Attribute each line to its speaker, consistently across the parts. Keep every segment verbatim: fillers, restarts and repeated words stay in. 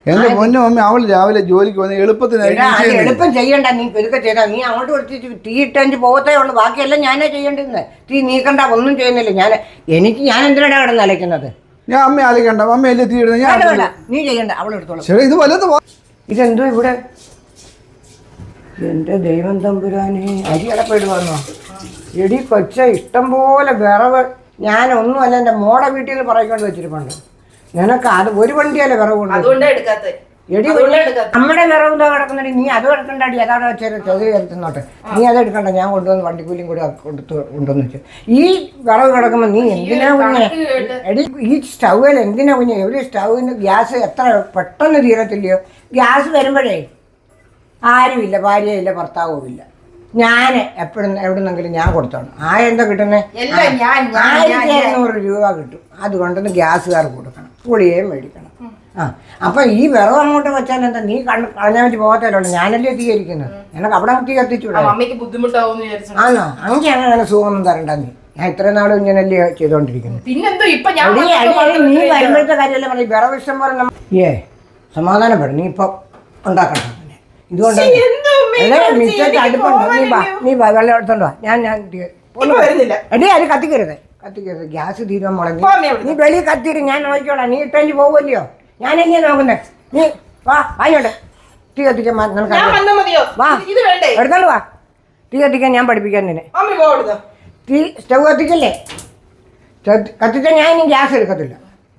Speaker 1: എന്റെ പൊന്നു മമ്മി അവൾ രാവിലെ ജോലിക്ക് വന്ന് എളുപ്പത്തിന്
Speaker 2: എളുപ്പം ചെയ്യണ്ട. നീ പെരുക്കെ ചെയ്താ നീ അങ്ങോട്ട് കൊടുത്തിട്ട് തീ ഇട്ടഞ്ച് പോകത്തേ ഉള്ളൂ. ബാക്കിയെല്ലാം ഞാനേ ചെയ്യേണ്ടിരുന്നത്. തീ നീക്കണ്ട, ഒന്നും ചെയ്യുന്നില്ല. ഞാൻ എനിക്ക് ഞാൻ എന്തിനാണ് കിടന്ന് അലയ്ക്കുന്നത്?
Speaker 1: ഞാൻ അമ്മ അലക്കണ്ട, അമ്മ അല്ലേ തീ ഇടുന്നത്. ഞാൻ
Speaker 2: നീ ചെയ്യണ്ട, അവളെടുത്തോളൂ.
Speaker 1: ശരി, ഇത് വല്ലത്
Speaker 2: ഇതെന്തോ ഇവിടെ. എന്റെ ദൈവം തമ്പുരാനെ, അരി അടപ്പിടുവാന്നോ? എടി കൊച്ച, ഇഷ്ടം പോലെ വിറവ്. ഞാനൊന്നുമല്ല, എൻ്റെ മോടെ വീട്ടിൽ നിന്ന് പറയിക്കൊണ്ട് വെച്ചിരിപ്പുണ്ട്. നിനക്ക് അത് ഒരു വണ്ടിയല്ലേ വിറവ് കൊണ്ട് എടി നമ്മുടെ വിറവ് എന്താ കിടക്കുന്നുണ്ട്? നീ അത് എടുക്കണ്ടടി, അതാണ് വെച്ചാൽ ചെറിയ എടുത്തുന്നോട്ടെ. നീ അത് എടുക്കണ്ട, ഞാൻ കൊണ്ടുവന്ന് വണ്ടിക്കൂലിയും കൂടി കൊടുത്ത് കൊണ്ടുവന്ന് വെച്ചു. ഈ വിറവ് കിടക്കുമ്പോൾ നീ എന്തിനാ കുഞ്ഞെ? എടി ഈ സ്റ്റൗവിൽ എന്തിനാ കുഞ്ഞെ? ഒരു സ്റ്റൗവിന് ഗ്യാസ് എത്ര പെട്ടെന്ന് തീരത്തില്ലയോ? ഗ്യാസ് വരുമ്പോഴേ ആരുമില്ല, ഭാര്യയില്ല, ഭർത്താവും ഇല്ല. ഞാൻ എപ്പോഴും എവിടുന്നെങ്കിലും ഞാൻ കൊടുത്തോണം. ആ എന്താ കിട്ടുന്നത്? ആയിരത്തി എഴുന്നൂറ് രൂപ കിട്ടും. അതുകൊണ്ടൊന്ന് ഗ്യാസുകാർ കൊടുക്കണം, പുളിയേയും മേടിക്കണം. ആ അപ്പം ഈ വിറവ് അങ്ങോട്ട് വെച്ചാൽ എന്താ? നീ കണ്ണ് കളഞ്ഞാൽ വെച്ച് പോകത്തല്ലോ. ഞാനല്ലേ തീകരിക്കുന്നത്. എനിക്ക് അവിടെ തീ കത്തിച്ചൂടാ? ആണോ? അങ്ങനെ അങ്ങനെ സുഖമൊന്നും തരണ്ട. നീ ഞാൻ ഇത്രയും നാളും ഇങ്ങനല്ലേ ചെയ്തോണ്ടിരിക്കുന്നത്. നീ വരുമ്പോഴത്തെ കാര്യമല്ലേ പറഞ്ഞ വിറവ് ഇഷ്ടം പോലെ. ഏ സമാധാനപ്പെടും. നീ ഇപ്പം ഉണ്ടാക്കണം. ഇതുകൊണ്ട് അടുപ്പുണ്ടോ? നീ വാ, നീ വാ, വെള്ളം എടുത്തോണ്ടോ. ഞാൻ ഞാൻ എടീ അത് കത്തിക്കരുത്, കത്തിക്കരുത്. ഗ്യാസ് തീരുവാൻ മുളങ്ങി. നീ വെളിയിൽ കത്തിരും, ഞാൻ നോക്കിക്കോളാം. നീ ഇട്ടഞ്ച് പോകുമല്ലയോ? ഞാനെങ്ങനെ നോക്കുന്നേ? നീ വാ, വാങ്ങോട്ടെ. തീ കത്തിക്കാൻ വാ, എടുത്തോണ്ട് വാ. തീ കത്തിക്കാൻ ഞാൻ പഠിപ്പിക്കാൻ നിന്നെ. തീ സ്റ്റവ് കത്തിക്കല്ലേ? കത്തിച്ചാൽ ഞാൻ ഇനി ഗ്യാസ് എടുക്കത്തില്ല.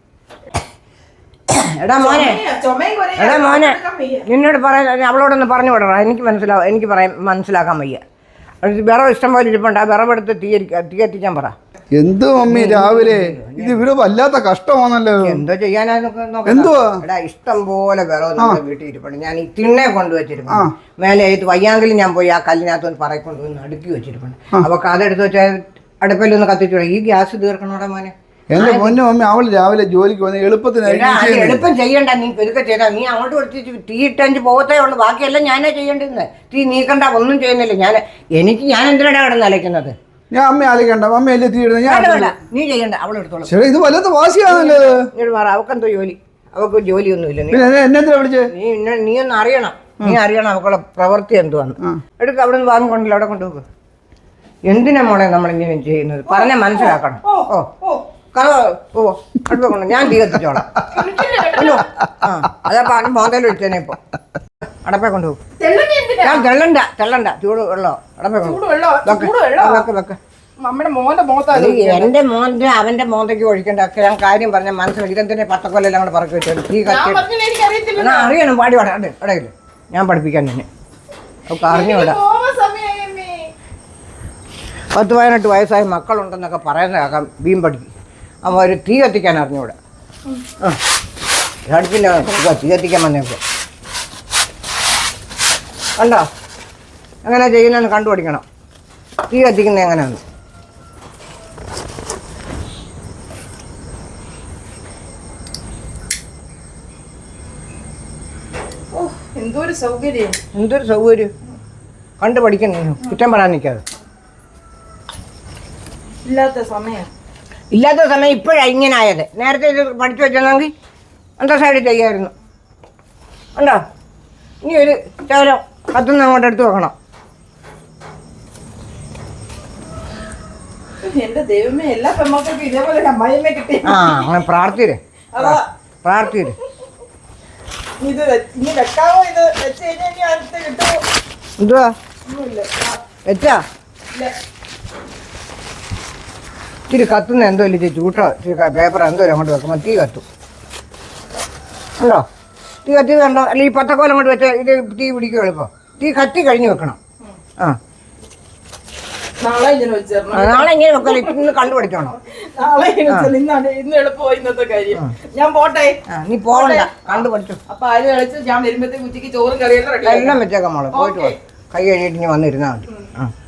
Speaker 2: എടാ മോനെ, എടാ മോനെ, നിന്നോട് പറയാൻ അവളോടൊന്ന് പറഞ്ഞു വിടണം. എനിക്ക് മനസ്സിലാവും, എനിക്ക് പറയാൻ മനസ്സിലാക്കാൻ വയ്യ. വിറവ് ഇഷ്ടം പോലെ ഇരിപ്പുണ്ട്. ആ വിറവെടുത്ത് തീ തീ കത്തിക്കാൻ പറ.
Speaker 1: എന്തോ മമ്മി രാവിലെ ഇത് ഇവിടെ വല്ലാത്ത കഷ്ടമാണല്ലോ.
Speaker 2: എന്തോ ചെയ്യാനാ? എടാ ഇഷ്ടം പോലെ വിറവ് നമ്മുടെ വീട്ടിൽ ഇരിപ്പുണ്ട്. ഞാൻ ഈ തിണ്ണെ കൊണ്ടുവച്ചിരിപ്പുണ്ട്. മേലെ ഇത് വയ്യാങ്കിലും ഞാൻ പോയി ആ കല്ലിനകത്ത് പറയിക്കൊണ്ട് വന്ന് അടുക്കി വെച്ചിരിപ്പുണ്ട്. അപ്പൊ അതെടുത്ത് വെച്ചാൽ അടുപ്പിലൊന്ന് കത്തിച്ചു. ഈ ഗ്യാസ് തീർക്കണോടെ മോനെ.
Speaker 1: എന്റെ പൊന്നു മമ്മി അവൾ രാവിലെ ജോലിക്ക് വന്ന് എളുപ്പത്തിന്
Speaker 2: എളുപ്പം ചെയ്യണ്ട. നീ പെരുക്കെ ചെയ്താ നീ അങ്ങോട്ട് കൊടുത്തിട്ട് തീ ഇട്ടഞ്ച് പോകത്തേ ഉള്ളൂ. ബാക്കിയെല്ലാം ഞാനേ ചെയ്യേണ്ടിരുന്നത്. തീ നീക്കണ്ട, ഒന്നും ചെയ്യുന്നില്ല. ഞാൻ എനിക്ക് ഞാൻ എന്തിനാണ് കിടന്ന് അലയ്ക്കുന്നത്?
Speaker 1: ഞാൻ അമ്മ അലക്കണ്ട, അമ്മ അല്ലേ തീ ഇടുന്നത്. ഞാൻ
Speaker 2: നീ ചെയ്യണ്ട, അവളെടുത്തോളൂ.
Speaker 1: ശരി, ഇത് വല്ലത് വാശിയാണല്ലോ.
Speaker 2: മാറ, അവക്കെന്തോ ജോലി? അവക്ക് ജോലിയൊന്നുമില്ല.
Speaker 1: എന്നെന്തിനാ വിളിച്ചേ?
Speaker 2: നീ നീ ഒന്ന് അറിയണം. നീ അറിയണം അവക്കുള്ള പ്രവൃത്തി എന്തുവാന്ന്. എടുക്ക, അവിടെ നിന്ന് വാങ്ങിക്കൊണ്ടല്ലോ, അവിടെ കൊണ്ടുപോകും. എന്തിനാ മോളെ നമ്മളിങ്ങനെ ചെയ്യുന്നത്? പറഞ്ഞാൽ മനസ്സിലാക്കണം. ഓ കഥ ഓ അടുത്ത കൊണ്ട് ഞാൻ തീ കത്തിച്ചോളാം. ആ അതാ പറഞ്ഞ മോന്തയിൽ ഒഴിച്ചേനെ. ഇപ്പൊ അടപ്പേ കൊണ്ടുപോകും. ഞാൻ തെള്ളണ്ട തെള്ളണ്ട ചൂട് വെള്ളോ അടപ്പേ വെക്ക് വെക്ക്. എന്റെ മോന്റെ അവന്റെ മോന്തയ്ക്ക് ഒഴിക്കണ്ട. ഞാൻ കാര്യം പറഞ്ഞ മനസ്സിലാക്കി. ഇതെന്തിനെ പത്തക്കൊല്ലെല്ലാം കൂടെ പറക്കി വെച്ചു. തീ കത്തി അറിയണം. പാടി പാടാ ഇടയില്ല. ഞാൻ പഠിപ്പിക്കാൻ തന്നെ അവർക്ക് അറിഞ്ഞുവിടാം. പത്ത് പതിനെട്ട് വയസ്സായ മക്കളുണ്ടെന്നൊക്കെ പറയുന്നതാക്കാം. ബീം പഠിക്കും. അപ്പോൾ ഒരു തീ കത്തിക്കാൻ അറിഞ്ഞൂടെ? ആ അടുപ്പിൻ്റെ തീ കത്തിക്കാൻ വന്നേക്കോ. കണ്ടോ എങ്ങനെ ചെയ്യുന്നതെന്ന് കണ്ടുപിടിക്കണം. തീ കത്തിക്കുന്നത് എങ്ങനെയാണ്?
Speaker 3: എന്തൊരു സൗകര്യം,
Speaker 2: എന്തൊരു സൗകര്യം. കണ്ടു പഠിക്കണം. കുറ്റം പറയാൻ നിൽക്കാതെ.
Speaker 3: ഇല്ലാത്ത സമയം
Speaker 2: ഇല്ലാത്ത സമയം ഇപ്പോഴാണ് ഇങ്ങനെ ആയത്. നേരത്തെ ഇത് പഠിച്ചു വെച്ചെന്നെങ്കിൽ എന്താ സൈഡിൽ ചെയ്യായിരുന്നു. ഉണ്ടോ? ഇനി ഒരു ചോരം കത്തുനിന്ന് അങ്ങോട്ട് എടുത്ത് വെക്കണം.
Speaker 3: എന്റെ ദൈവമേ, എല്ലാ പെമ്മക്കൾക്കും ഇതേപോലെ അമ്മായിയമ്മ കിട്ടി.
Speaker 2: ആ അങ്ങനെ പ്രാർത്ഥിര് പ്രാർത്ഥിര്.
Speaker 3: ഇത് ഇനി വെക്കാവോ? ഇത് വെച്ച് കഴിഞ്ഞാൽ അടുത്ത് കിട്ടുമോ?
Speaker 2: എന്തുവാ വെച്ചാ? ഇച്ചിരി കത്തുന്ന എന്തോ ഇല്ല ചൂട്ടോ പേപ്പർ എന്തോ അങ്ങോട്ട് വെക്കുമ്പോൾ തീ കത്തും. ഉണ്ടോ? തീ കത്തി കണ്ടോ? അല്ല ഈ പത്തക്കോലം കൊണ്ട് വെച്ചാൽ ഇത് തീ പിടിക്കും എളുപ്പം. തീ കത്തി കഴിഞ്ഞ് വെക്കണം. ആ
Speaker 3: നാളെ ഇങ്ങനെ വെച്ചേരണം.
Speaker 2: നാളെ ഇങ്ങനെ വെക്കണം. ഇന്ന് കണ്ടുപിടിക്കണം.
Speaker 3: നാളെ ഇന്ന് എളുപ്പമായി ഇന്നത്തെ കാര്യം. ഞാൻ പോട്ടെ.
Speaker 2: നീ പോകണ്ട, കണ്ടുപിടിച്ചു.
Speaker 3: അപ്പൊ ആര് കളിച്ച് ഞാൻ വരുമ്പോഴത്തേക്ക് ഉച്ചയ്ക്ക് ചോറും കറിയെല്ലാം
Speaker 2: എല്ലാം വെച്ചേക്കാം മോളെ. പോയിട്ട് പോ. കൈ കഴിയിട്ട് ഇനി വന്നിരുന്നാൽ മതി. ആ